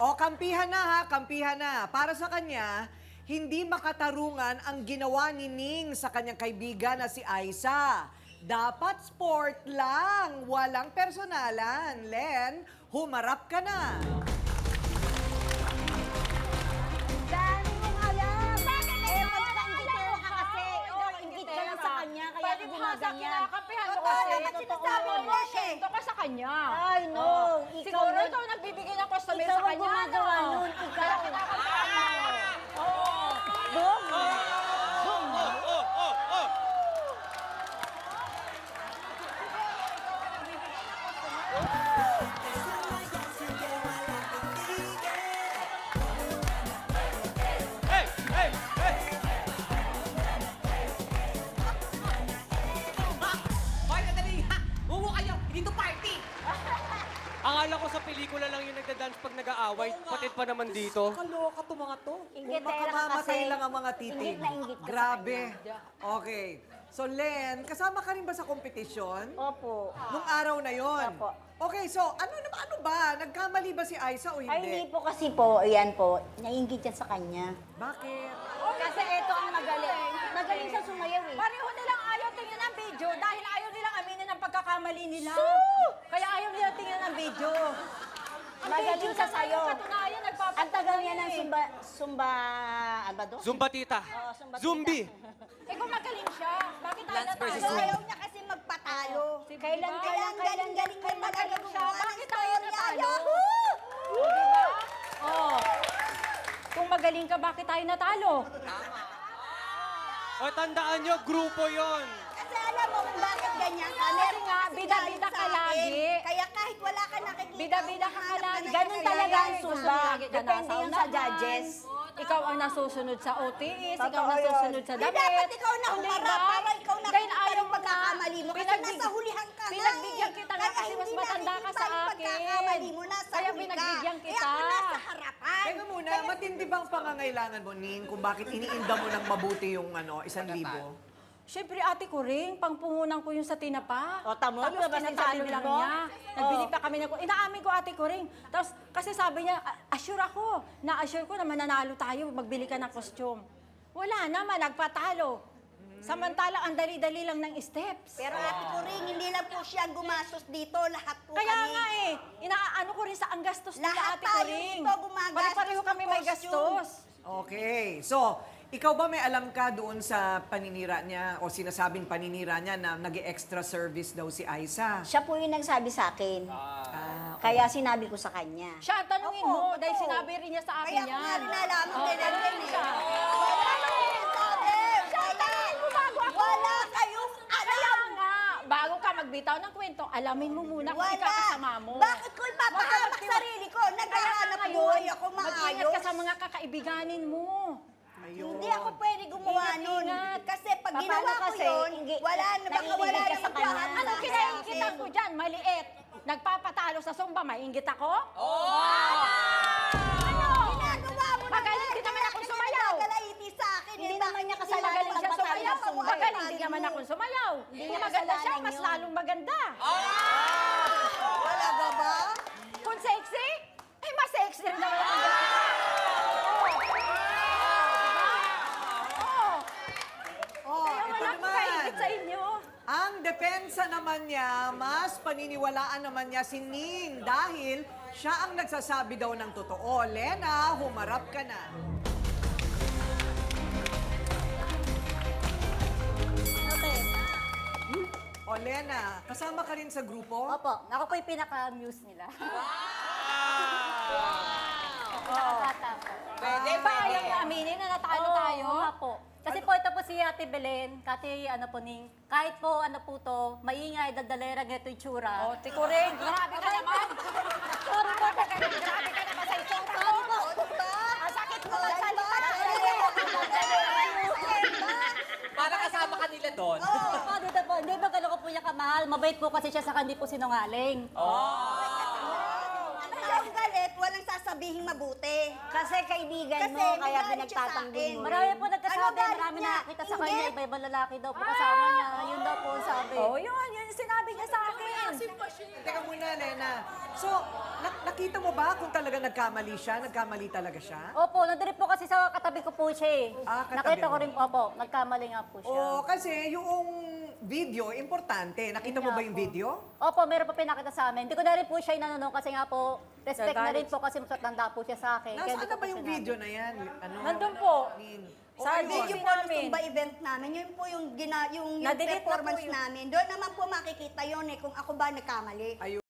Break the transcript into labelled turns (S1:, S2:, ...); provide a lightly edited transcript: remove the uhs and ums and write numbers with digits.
S1: O, kampihan na ha, kampihan na. Para sa kanya, hindi makatarungan ang ginawa ni Ning sa kanyang kaibigan na si Aiza. Dapat sport lang, walang personalan. Len, humarap ka na.
S2: Dami mong alam! Bakit magka-ingitero ka kasi? Oo, ingit ka lang sa kanya, kaya
S3: Pwede
S2: ka
S3: ba sa
S2: gumaganyan.
S3: kinakapihan mo
S2: Totoo
S3: kasi?
S2: naman sinasabi mo eh.
S3: Porsyento ka sa kanya.
S2: Ay, no. Ikaw
S3: Siguro
S2: na-
S3: ikaw nagbibigay ng customer
S2: Ikaw
S3: sa
S2: ang
S3: kanya.
S2: gumagawa
S3: no?
S2: nun, ikaw.
S3: Kaya kinakapihan mo. Oo.
S2: Boom!
S4: Hey! Hey! Hey!
S5: Hoy, nadali ha! Mumu kayo! Hindi to party!
S4: Akala ko sa pelikula lang yung nagda-dance pag nag-aaway. Patid pa naman dito.
S1: Kaloka to mga to.
S2: Ingitera
S1: Kung
S2: ka
S1: makamamatay
S2: kasi.
S1: lang ang mga titig.
S2: Ingit na ingit ka sa
S1: Grabe. Okay. So, Len, kasama ka rin ba sa kompetisyon?
S2: Opo.
S1: Nung araw na yon.
S2: Opo.
S1: Okay, so ano ba? Nagkamali ba si Aiza o
S2: Ay, hindi
S1: hindi?
S2: po kasi po, ayan po, naiingit yan sa kanya.
S1: Bakit?
S2: Kasi ito ang magaling. Magaling sa sumayaw eh.
S3: Pareho nilang ayaw tingnan ang video dahil ayaw nilang aminin ang pagkakamali nila. Kaya ayaw nilang tingnan ang video.
S2: Magaling sa sayo.
S3: Katunayan,
S2: Ang tagal niya ng ano ba doon?
S4: Zumba tita.
S2: Oo, Zumba tita.
S4: Zumbi.
S3: Eh kung magaling siya, bakit tayo
S5: Lance versus
S3: natalo?
S5: Zoom.
S2: Ayaw niya kasi magpatalo. Kailan,
S3: Diba?
S2: kailan, galing mo talaga
S3: siya, bakit tayo natalo?
S2: Yahoo!
S3: O, diba? Oh. Kung magaling ka, bakit tayo natalo?
S4: O tandaan nyo, grupo yon.
S2: Kasi alam mo kung bakit ganyan ka.
S3: Kasi
S2: Meron
S3: nga,
S2: kasi
S3: bida-bida
S2: galing
S3: ka
S2: sa akin.
S3: lagi.
S2: Kaya kahit wala ka nakikita,
S3: Bida-bida ka
S2: humahanap
S3: lagi.
S2: ng
S3: Ganun
S2: kaya
S3: talaga ang
S2: yan,
S3: Zumba.
S2: lagi ka
S3: Depende
S2: nasa
S3: yun sa
S2: unahan.
S3: judges. Ikaw ang nasusunod sa OTS, ikaw
S2: Totoo
S3: ang nasusunod
S2: yun.
S3: sa
S2: Di
S3: damit.
S2: dapat ikaw na
S3: Hindi
S2: humarap
S3: ba?
S2: para ikaw na
S3: Dahil
S2: kung
S3: ayaw
S2: anong pagkakamali mo. Kasi
S3: Pinagbig-
S2: nasa hulihan ka nga
S3: Pinagbigyan kita nga
S2: Kaya
S3: kasi mas
S2: hindi
S3: matanda ka
S2: nakikita
S3: sa
S2: yung
S3: akin.
S2: pagkakamali mo, nasa
S3: Kaya
S2: huli ka.
S3: pinagbigyan
S2: Eh
S3: kita.
S2: ako nasa harapan.
S1: Teka muna, matindi bang pangangailangan mo, Ning, kung bakit iniinda mo ng mabuti yung 1,000?
S3: Siyempre, ate ko rin, pangpungunan ko yung sa tinapa.
S2: O, tamo,
S3: Tapos
S2: lumabas din sa
S3: tinatalo
S2: bibig
S3: lang
S2: mo?
S3: niya. Nagbili pa kami ng... Inaamin ko ate ko rin. Tapos, kasi sabi niya, assure ako. Na-assure ko na mananalo tayo, magbili ka ng costume. Wala naman, nagpatalo. Samantala, ang dali-dali lang ng steps.
S2: Pero ate ko rin, hindi lang po siya gumastos dito. Lahat po
S3: Kaya
S2: kami.
S3: nga eh, inaano ko rin sa ang gastos nila
S2: Lahat
S3: ate ko
S2: tayo
S3: rin.
S2: dito gumagastos
S3: Pare-pareho kami
S2: ng
S3: may
S2: costume.
S3: gastos.
S1: Okay. So, ikaw ba may alam ka doon sa paninira niya o sinasabing paninira niya na nag-extra service daw si Aiza?
S2: Siya po yung nagsabi sa akin.
S1: Ah,
S2: Kaya sinabi ko sa kanya.
S3: Siya, tanungin
S2: Opo,
S3: mo, dahil
S2: totoo.
S3: sinabi rin niya sa akin
S2: Kaya
S3: yan.
S2: ko nga rin alam,
S3: Oh, tanungin siya.
S2: Wala kayong
S3: Kaya
S2: alam.
S3: nga, bago ka magbitaw ng kwento, alamin mo muna kung
S2: Wala.
S3: ikakasama mo.
S2: Bakit ko ipapahamak sarili ko? Naghahanap buhay ako
S3: mag-ingat
S2: maayos.
S3: ka sa mga kakaibiganin mo.
S1: ayun.
S2: Hindi ako pwede gumawa
S3: Ingat,
S2: nun.
S3: ingat.
S2: Kasi pag
S3: Paano
S2: ginawa ko
S3: kasi,
S2: yun, wala na, baka
S3: naiingit
S2: wala
S3: ka sa
S2: namang
S3: kanya.
S2: lahat.
S3: Anong kinaingitan ko dyan? Maliit. Nagpapatalo sa Zumba, maingit ako? Ano?
S2: Ginagawa mo
S3: Magaling din naman akong sumayaw.
S2: Gagalaiti sa akin.
S3: Hindi
S2: eh,
S3: naman
S2: bakit
S3: niya
S2: hindi
S3: kasalanan
S2: magaling
S3: siya
S2: magpatalo
S3: sumayaw.
S2: sa Zumba?
S3: Magaling din naman akong sumayaw.
S2: Hindi
S3: Kung
S2: niya
S3: maganda siya,
S2: kasalanan
S3: mas
S2: yun.
S3: lalong maganda.
S2: Wala ka ba?
S3: Kung sexy, eh mas sexy rin naman ako.
S1: Oh,
S3: Kaya
S1: ito
S3: wala akong
S1: naman.
S3: kaingit sa inyo.
S1: Ang depensa naman niya, mas paniniwalaan naman niya si Ning dahil siya ang nagsasabi daw ng totoo. Lena, humarap ka na.
S2: Okay.
S1: O Lena, kasama ka rin sa grupo?
S2: Opo, ako po yung pinaka-muse nila.
S5: Pwede,
S3: Ba,
S5: pwede.
S3: ayaw niya aminin na natalo tayo?
S6: Oo nga po. Kasi po ito po si Ate Belen, Kati ano po ning, kahit po ano po to, maingay, dagdalera, ganito yung tsura.
S3: Oh, tikuring, grabe ka naman.
S6: Sorry po,
S3: Grabe ka naman sa itsura mo. Ang sakit mo lang salita.
S5: Para kasama ka nila doon.
S6: po, dito po, hindi ba gano'n ko po niya kamahal, mabait po kasi siya sa hindi po sinungaling.
S2: Ano yung galit? Walang sasabihin mabuti. Kasi kaibigan
S7: Kasi
S2: mo, kaya
S7: nagalit siya sa
S2: pinagtatanggol
S7: akin.
S2: mo.
S6: Marami po
S7: Ano
S6: nagkasabi,
S7: galit
S6: marami
S7: niya?
S6: nakakita sa kanya,
S7: Inggit?
S6: iba-iba lalaki daw po kasama niya. Yun daw po ang sabi.
S3: Oh, yun yung sinabi niya sa akin.
S1: Teka muna, Lena. So, nakita mo ba kung talaga nagkamali siya? Nagkamali talaga siya?
S6: Opo, nandun po kasi sa katabi ko po siya eh.
S1: Ah, katabi
S6: Nakita ko
S1: mo.
S6: rin po, opo, nagkamali nga po siya.
S1: O, kasi yung video, importante. Nakita mo
S6: Yun
S1: ba
S6: nga
S1: yung
S6: po.
S1: video?
S6: Opo, meron po pinakita sa amin. Hindi ko na rin po siya inanong kasi nga po, respect na rin
S3: Nagalit.
S6: po kasi matanda po siya sa akin. Kaya
S1: Nasaan
S6: hindi
S1: na
S6: ko
S1: ba
S6: po
S1: yung
S6: sinabi.
S1: video na yan? Ano?
S3: Nandun po.
S1: O,
S3: Sa
S1: ayun.
S7: Video
S3: Kasi
S7: po
S3: namin.
S7: Tumba event namin, yun po yung, yung
S3: Na-delete na
S7: performance
S3: po yun.
S7: namin. Doon naman po makikita yun kung ako ba nagkamali.
S1: Ayun.